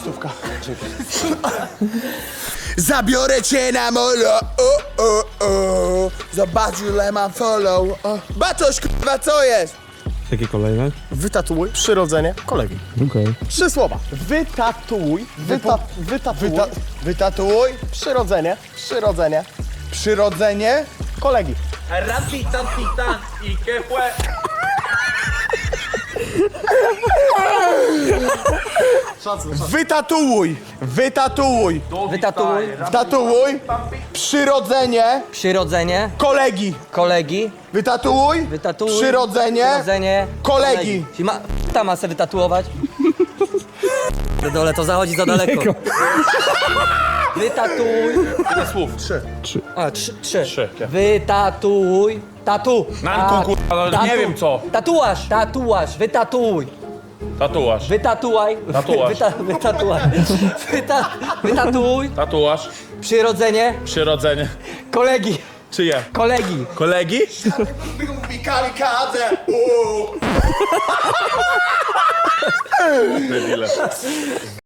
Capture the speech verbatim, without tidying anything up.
stówka. Zabiorę cię na molo, o, o, o. Zobacz ile mam follow, o. Batoś, k***a, co jest? Jakie kolejne? Wytatuuj przyrodzenie kolegi. Okej. Trzy słowa. Wytatuuj. Wyta, wytatuuj. Wyta wytatuuj, Przyrodzenie. Przyrodzenie przyrodzenie, kolegi. Rapitan, pitan y qué fue. wytatuuj, wytatuuj, Wytatuuj. wytatuuj, przyrodzenie, Przyrodzenie kolegi, kolegi. wytatuj, Wytatuuj. przyrodzenie, Przyrodzenie kolegi. Czyli ma, ta ma se wytatuować. Na dole to zachodzi za daleko. Wytatuj. Ile słów? Trzy. A, trzy. trzy. Trzy. Wytatuj. Tatu. Nanku, Ta- kurwa, no tatu. nie wiem co. Tatuaż, tatuaż, wytatuj. Tatuaż. Wytatuaj. Tatuaż. Wyta, wytatuaj. Wyta, wytatuj. Tatuaż. Przyrodzenie Przyrodzenie. kolegi. Czyje? Kolegi. Kolegi? Mi kamikadze, uuu. Debile.